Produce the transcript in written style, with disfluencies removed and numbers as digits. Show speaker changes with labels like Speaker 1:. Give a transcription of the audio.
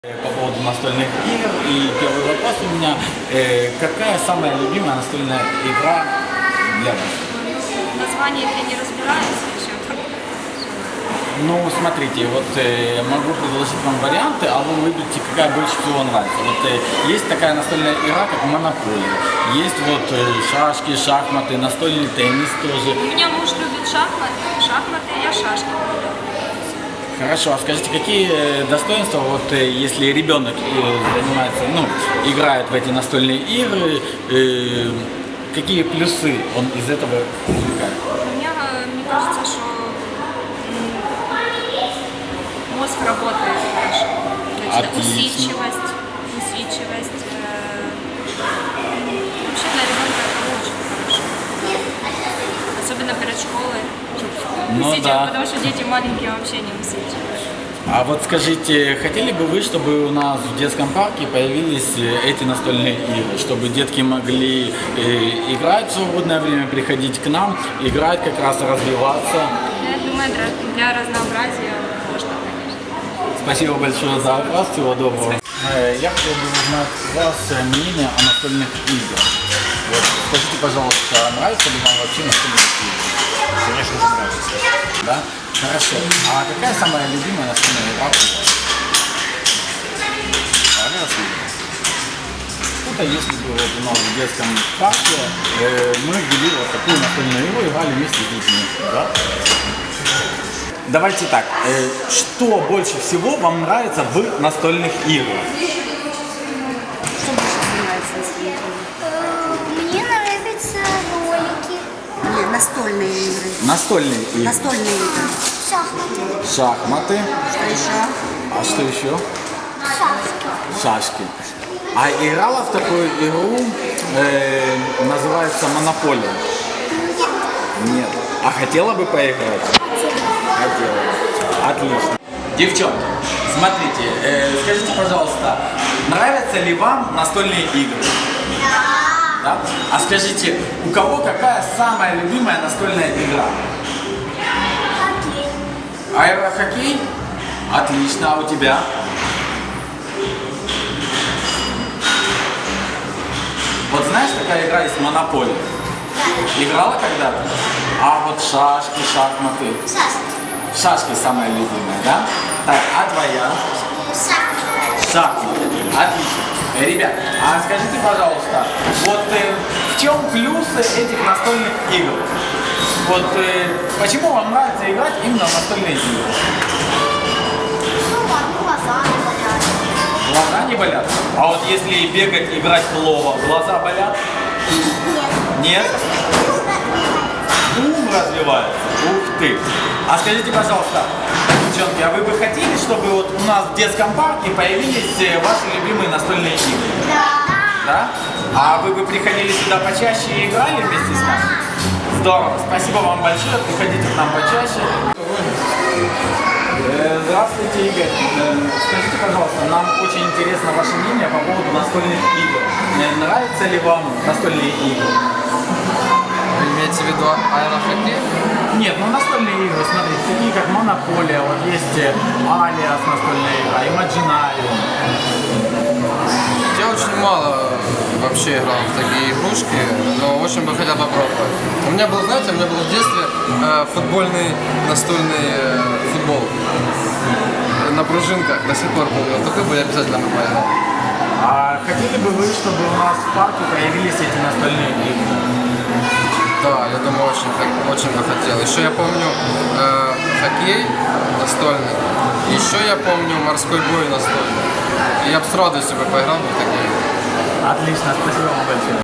Speaker 1: По поводу настольных игр, и первый вопрос у меня, какая самая любимая настольная игра для вас?
Speaker 2: Название игры не разбираюсь еще.
Speaker 1: Ну, смотрите, вот могу предложить вам варианты, а вы выберите, какая больше всего нравится. Вот есть такая настольная игра, как Монополия, есть вот шашки, шахматы, настольный теннис тоже.
Speaker 2: У меня муж любит шахматы, я шашки люблю.
Speaker 1: Хорошо, а скажите, какие достоинства, вот если ребенок занимается, ну, играет в эти настольные игры, какие плюсы он из этого извлекает?
Speaker 2: Мне кажется, что мозг работает хорошо. Значит, усидчивость. Вообще для ребенка это очень хорошо. Особенно перед школой.
Speaker 1: Ну, да.
Speaker 2: Потому что дети маленькие вообще не усидчивы.
Speaker 1: А вот скажите, хотели бы вы, чтобы у нас в детском парке появились эти настольные игры, чтобы детки могли играть в свободное время, приходить к нам, играть, как раз развиваться?
Speaker 2: Я думаю, для разнообразия можно, конечно.
Speaker 1: Спасибо большое за вопрос, всего доброго. Я хотел бы узнать у вас мнение о настольных играх. Вот, скажите, пожалуйста, нравится ли вам вообще настольные игры?
Speaker 3: Конечно же нравится.
Speaker 1: Да? Хорошо. А какая самая любимая настольная игра у вас? Кто-то, если бы вот у нас в детском парке мы ввели вот такую настольную игру, играли вместе с детьми. Да? Давайте так, что больше всего вам нравится в настольных играх?
Speaker 4: Что больше нравится настольных игр?
Speaker 5: Мне нравятся ролики,
Speaker 4: Нет, настольные игры.
Speaker 1: Настольные игры.
Speaker 4: Настольные игры.
Speaker 5: шахматы,
Speaker 1: Шахматы.
Speaker 4: Что еще?
Speaker 1: А что еще?
Speaker 5: шашки.
Speaker 1: Шашки. А играла в такую игру, называется Монополия? Нет. А хотела бы поиграть? Хотела. Отлично. Девчонки, смотрите, скажите, пожалуйста, нравятся ли вам настольные игры? Да. А скажите, у кого какая самая любимая настольная игра?
Speaker 5: Хоккей.
Speaker 1: Аэрохоккей? Отлично. А у тебя? Вот знаешь, такая игра есть Монополия? Играла когда-то? А вот шашки, шахматы?
Speaker 5: Шашки.
Speaker 1: Шашки самая любимая, да? Так, а твоя?
Speaker 5: Шахматы.
Speaker 1: Шахматы. Отлично. Ребят, а скажите, пожалуйста, вот в чем плюсы этих настольных игр? Вот почему вам нравится играть именно в настольные игры?
Speaker 5: Ну, глаза не болят.
Speaker 1: Глаза не болят? А вот если бегать, играть в лово, глаза болят?
Speaker 5: Нет.
Speaker 1: Нет? Ум развивается. Ух ты. А скажите, пожалуйста, девчонки, а вы бы хотели, чтобы вот у нас в детском парке появились ваши любимые настольные игры?
Speaker 5: Да.
Speaker 1: Да? А вы бы приходили сюда почаще и играли вместе с нами? Здорово. Спасибо вам большое. Приходите к нам почаще. Здравствуйте, Игорь. Скажите, пожалуйста, нам очень интересно ваше мнение по поводу настольных игр. Нравятся ли вам настольные игры?
Speaker 6: Вы имеете в виду аэрохоккей?
Speaker 1: Нет, ну настольные игры, смотрите, такие как Монополия, вот есть Алиас настольная игра, Imaginarium.
Speaker 6: Я очень мало вообще играл в такие игрушки, но очень бы хотел попробовать. У меня был, знаете, в детстве футбольный настольный футбол на пружинках, до сих пор был. Такой бы я обязательно бы поиграл.
Speaker 1: А хотели бы вы, чтобы у нас в парке появились эти настольные игры?
Speaker 6: Да, я думаю, очень бы хотел. Еще я помню хоккей настольный, еще я помню морской бой настольный. И я бы с радостью поиграл в такие.
Speaker 1: Отлично, спасибо вам большое.